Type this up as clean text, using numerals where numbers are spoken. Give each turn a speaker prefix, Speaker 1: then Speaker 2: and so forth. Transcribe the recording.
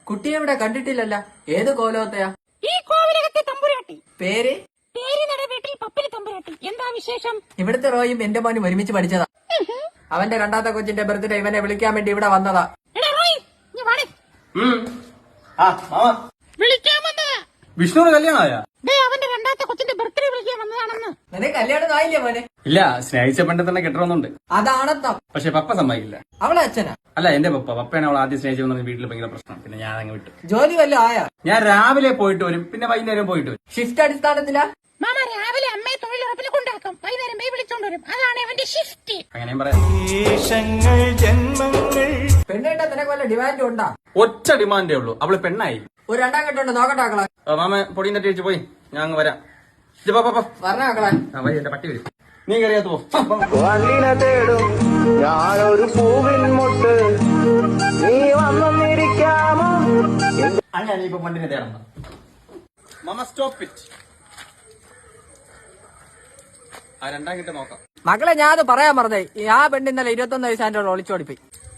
Speaker 1: കുട്ടിയെ ഇവിടെ കണ്ടിട്ടില്ലല്ല. ഏത് കോലോത്തയാ?
Speaker 2: ഈ കോവിലകത്തെ തമ്പുരാട്ടി.
Speaker 1: പേര്?
Speaker 2: പേരിനട വീട്ടിൽ പപ്പിലി തമ്പുരാട്ടി. എന്താ വിശേഷം?
Speaker 1: ഇവിടുത്തെ റോയും എന്റെ മോനും ഒരുമിച്ച് പഠിച്ചതാ. അവന്റെ രണ്ടാമത്തെ കൊച്ചിന്റെ ബർത്ത്ഡേ ഇവനെ വിളിക്കാൻ വേണ്ടി ഇവിടെ വന്നതാ.
Speaker 2: എടാ റോയ്, നീ വാടേ. വിളിക്കാൻ വന്നതാ.
Speaker 3: വിഷ്ണുവിന് കല്യാണമായ?
Speaker 2: അവന്റെ രണ്ടാമത്തെ കൊച്ചിന്റെ ബർത്ത്ഡേ വിളിക്കാൻ വന്നതാണെന്ന്.
Speaker 1: നിനക്ക് കല്യാണം ആയില്ലേ മോനെ?
Speaker 3: ഇല്ല, സ്നേഹിച്ച പെണ്ടെ തന്നെ കെട്ടണമെന്നുണ്ട്.
Speaker 1: അതാണത്തം.
Speaker 3: പക്ഷെ പപ്പ സമ്മതിക്കില്ല.
Speaker 1: അവളെ അച്ഛനാ?
Speaker 3: അല്ല, എന്റെ പപ്പയാണ് അവൾ ആദ്യം സ്നേഹിച്ചെന്ന് വീട്ടിൽ ഭയങ്കര പ്രശ്നം. പിന്നെ ഞാൻ അങ്ങ് വിട്ടു.
Speaker 1: ജോലി വല്ലതും ആയാ?
Speaker 3: ഞാൻ രാവിലെ പോയിട്ട് വരും, പിന്നെ വൈകുന്നേരം പോയിട്ട് വരും.
Speaker 1: ഷിഫ്റ്റ് അടിസ്ഥാനത്തിലാ?
Speaker 2: മാമ രാവിലെ അമ്മയെ തൊഴിലുറപ്പിന് കൊണ്ടാക്കും, വൈകുന്നേരം പോയി വിളിച്ചോണ്ട് വരും. അതാണ് അവന്റെ ഷിഫ്റ്റ്.
Speaker 3: അങ്ങനെയും പറയാം.
Speaker 1: പെണ്ണ് കേട്ടാ നിനക്ക് വല്ല ഡിമാൻഡും ഉണ്ടാ?
Speaker 3: ഒറ്റ ഡിമാൻഡേ ഉള്ളൂ, അവള് പെണ്ണായി.
Speaker 1: ഒരു രണ്ടാം കെട്ടുണ്ട്, നോക്കട്ടാക്കളെ.
Speaker 3: മാമ പൊടിയും തട്ടി വെച്ച് പോയി, ഞാൻ അങ്ങ് വരാം.
Speaker 1: പറഞ്ഞാക്കളെ.
Speaker 3: വരി, എന്റെ പട്ടി വരും. നീ കറിയാത്ത പോ.
Speaker 4: തേടും ഞാനൊരു പൂവിൻ മുട്ട്, നീ വന്നിരിക്കാമോ?
Speaker 3: അങ്ങനെ ഇപ്പൊ പണ്ടിനെ തേടണം. മാമ സ്റ്റോപ്പ് ഇറ്റ്. ആ രണ്ടാം കിட்ட നോക്കാം.
Speaker 1: മക്കളെ, ഞാൻ അത് പറയാൻ പറഞ്ഞേ. ആ പെണ്ണ് ഇന്നലെ 21 വയസ്സാൻ്റെ ഒളിച്ചോടിപ്പോയി.